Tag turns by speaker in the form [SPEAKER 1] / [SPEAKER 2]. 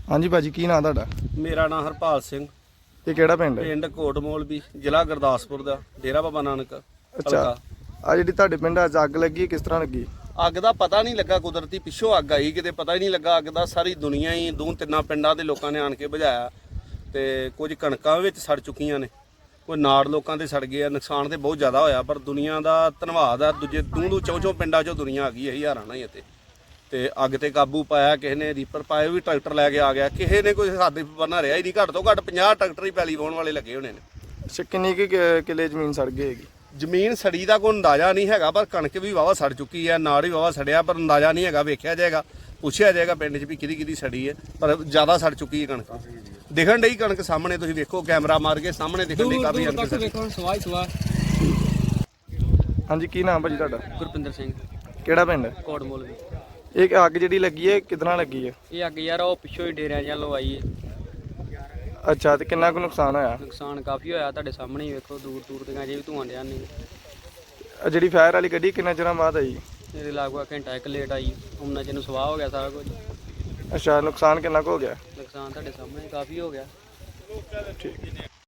[SPEAKER 1] हाँ जी भाजी की नाम ਤੁਹਾਡਾ?
[SPEAKER 2] ਮੇਰਾ ਨਾਮ ਹਰਪਾਲ ਸਿੰਘ,
[SPEAKER 1] ਤੇ ਕਿਹੜਾ ਪਿੰਡ ਹੈ?
[SPEAKER 2] ਪਿੰਡ ਕੋਟਮੋਲਵੀ, ਜ਼ਿਲ੍ਹਾ ਗੁਰਦਾਸਪੁਰ ਦਾ, ਡੇਰਾ ਬਾਬਾ ਨਾਨਕ
[SPEAKER 1] ਅੱਛਾ, ਆ ਜਿਹੜੀ ਤੁਹਾਡੇ ਪਿੰਡ ਅੱਜ ਅੱਗ ਲੱਗੀ ਕਿਸ ਤਰ੍ਹਾਂ ਲੱਗੀ?
[SPEAKER 2] ਅੱਗ ਦਾ ਪਤਾ ਨਹੀਂ ਲੱਗਾ, ਕੁਦਰਤੀ ਪਿੱਛੋਂ ਅੱਗ ਆਈ, ਕਿਤੇ ਪਤਾ ਹੀ ਨਹੀਂ ਲੱਗਾ ਅੱਗ ਦਾ। ਸਾਰੀ ਦੁਨੀਆ ਹੀ ਦੋ ਤਿੰਨਾਂ ਪਿੰਡਾਂ ਦੇ ਲੋਕਾਂ ਨੇ ਆਣ ਕੇ ਬੁਝਾਇਆ ਤੇ ਕੁਝ ਕਣਕਾਂ ਵਿੱਚ ਸੜ ਚੁੱਕੀਆਂ ਨੇ, ਕੋਈ ਨਾੜ ਲੋਕਾਂ ਦੇ ਸੜ ਗਏ ਆ। ਨੁਕਸਾਨ ਤੇ ਬਹੁਤ ਜ਼ਿਆਦਾ ਹੋਇਆ, ਪਰ ਦੁਨੀਆ ਦਾ ਧੰਨਵਾਦ ਆ, ਦੂਜੇ ਦੂੰ ਚੌਂ ਪਿੰਡਾਂ 'ਚੋਂ ਦੁਨੀਆ ਆ ਗਈ ਹੈ, ਹਜ਼ਾਰਾਂ ਨਾਲ ਹੀ ਇੱਥੇ। ਤੇ ਅੱਗ ਤੇ ਕਾਬੂ ਪਾਇਆ, ਕਿਸੇ ਨੇ ਰੀਪਰ ਪਾਏ, ਵੀ ਟਰੈਕਟਰ ਲੈ ਕੇ ਆ ਗਿਆ, ਕਿਸੇ ਨੇ ਕੋਈ ਹੱਦ ਬੰਨਾ ਰਿਹਾ ਹੀ ਨਹੀਂ। ਘੱਟ ਤੋਂ ਘੱਟ 50 ਟਰੈਕਟਰ ਹੀ ਪੈਲੀ ਵਾਹੁਣ ਵਾਲੇ ਲੱਗੇ ਹੋਣੇ ਨੇ।
[SPEAKER 1] ਅੱਛਾ, ਕਿੰਨੀ ਕੁ ਕਿੱਲੇ ਜ਼ਮੀਨ ਸੜ ਗਈ ਹੈਗੀ?
[SPEAKER 2] ਜ਼ਮੀਨ ਸੜੀ ਦਾ ਕੋਈ ਅੰਦਾਜ਼ਾ ਨਹੀਂ ਹੈਗਾ, ਪਰ ਕਣਕ ਵੀ ਵਾਵਾ ਸੜ ਚੁੱਕੀ ਹੈ, ਨਾੜ ਵੀ ਵਾਵਾ ਸੜਿਆ, ਪਰ ਅੰਦਾਜ਼ਾ ਨਹੀਂ ਹੈਗਾ। ਵੇਖਿਆ ਜਾਏਗਾ, ਪੁੱਛਿਆ ਜਾਏਗਾ ਪਿੰਡ 'ਚ ਵੀ ਕਿਹਦੀ ਸੜੀ ਹੈ, ਪਰ ਜ਼ਿਆਦਾ ਸੜ ਚੁੱਕੀ ਹੈ ਕਣਕ। ਦਿਖਣ ਡਈ ਕਣਕ ਸਾਹਮਣੇ, ਤੁਸੀਂ ਵੇਖੋ ਕੈਮਰਾ ਮਾਰ ਕੇ ਸਾਹਮਣੇ ਦਿਖਣ ਡਈ ਕਾਫੀ ਕਣਕ।
[SPEAKER 1] ਹਾਂਜੀ, ਕੀ ਨਾਮ ਭਾਜੀ ਤੁਹਾਡਾ?
[SPEAKER 3] ਗੁਰਪਿੰਦਰ ਸਿੰਘ,
[SPEAKER 1] ਕਿਹੜਾ ਪਿੰਡ?
[SPEAKER 3] ਕੋਟਮੋਲਵੀ।
[SPEAKER 1] ਇਹ ਅੱਗ ਜਿਹੜੀ ਲੱਗੀ ਹੈ ਕਿਤਨਾ ਲੱਗੀ ਹੈ?
[SPEAKER 3] ਇਹ ਅੱਗ ਯਾਰ ਉਹ ਪਿੱਛੋਂ ਹੀ ਡੇਰਿਆਂ ਵੱਲੋਂ ਆਈ ਹੈ।
[SPEAKER 1] ਅੱਛਾ, ਤੇ ਕਿੰਨਾ ਕੁ ਨੁਕਸਾਨ ਹੋਇਆ?
[SPEAKER 3] ਨੁਕਸਾਨ ਕਾਫੀ ਹੋਇਆ, ਤੁਹਾਡੇ ਸਾਹਮਣੇ ਹੀ ਵੇਖੋ, ਦੂਰ ਦੂਰ ਤੱਕ ਅਜੇ ਵੀ ਧੂਆਂ ਡਿਆ ਨਹੀਂ।
[SPEAKER 1] ਆਹ ਜਿਹੜੀ ਫਾਇਰ ਵਾਲੀ ਗੱਡੀ ਕਿੰਨੇ ਚਿਰਾਂ ਬਾਅਦ ਆਈ?
[SPEAKER 3] ਇਹਦੇ ਲਾਗੂ ਘੰਟਾ ਇੱਕ ਲੇਟ ਆਈ, ਉਹਨਾਂ ਚ ਨੂੰ ਸਵਾਹ ਹੋ ਗਿਆ ਸਾਰਾ ਕੁਝ।
[SPEAKER 1] ਅੱਛਾ, ਨੁਕਸਾਨ ਕਿੰਨਾ ਕੁ ਹੋ ਗਿਆ?
[SPEAKER 3] ਨੁਕਸਾਨ ਤੁਹਾਡੇ ਸਾਹਮਣੇ ਕਾਫੀ ਹੋ ਗਿਆ।
[SPEAKER 1] ਠੀਕ।